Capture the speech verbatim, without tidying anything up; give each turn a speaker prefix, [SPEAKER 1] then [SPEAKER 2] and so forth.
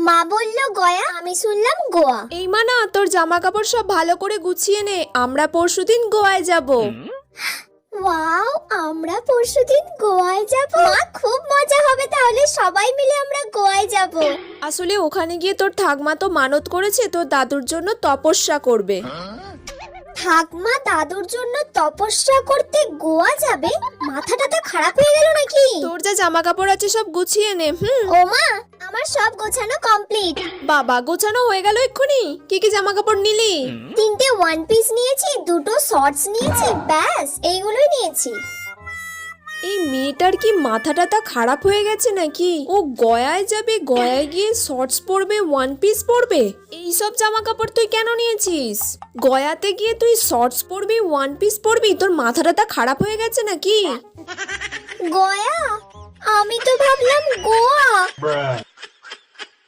[SPEAKER 1] মা বললো গয়া, আমি শুনলাম গোয়া।
[SPEAKER 2] এই মানা, তোর জামা কাপড় সব ভালো করে গুছিয়ে নে, আমরা পরশুদিন গোয়ায় যাব।
[SPEAKER 1] ওয়াও, আমরা পরশুদিন গোয়ায় যাব। মা খুব মজা হবে, তাহলে সবাই মিলে আমরা গোয়ায় যাব।
[SPEAKER 2] আসলে ওখানে গিয়ে তোর ঠাকমা তো মানত করেছে তোর দাদুর জন্য তপস্যা করবে।
[SPEAKER 1] ঠাকমা দাদুর জন্য তপস্যা করতে গোয়া যাবে? মাথাটা তো খারাপ হয়ে গেল নাকি?
[SPEAKER 2] তোর যা জামা কাপড় আছে সব গুছিয়ে নে। হুম।
[SPEAKER 1] ও মা, আমার সব গোছানো কমপ্লিট।
[SPEAKER 2] বাবা, গোছানো হয়ে গেল এক্ষুনি? কি কি জামা কাপড় নিলি?
[SPEAKER 1] তিনটে ওয়ান পিস নিয়েছি, দুটো শর্টস নিয়েছি, ব্যাস এইগুলোই নিয়েছি।
[SPEAKER 2] এই মেয়েটার কি মাথাটা তা খারাপ হয়ে গেছে নাকি? ও গয়ায় যাবে, গয়ায় গিয়ে শর্টস পরবে, ওয়ান পিস পরবে? এই সব জামা কাপড় তুই কেন নিয়েছিস? গয়াতে গিয়ে তুই শর্টস পরবি, ওয়ান পিস পরবি? তোর মাথাটা তা খারাপ হয়ে গেছে নাকি?
[SPEAKER 1] গয়া? আমি তো ভাবলাম গোয়া।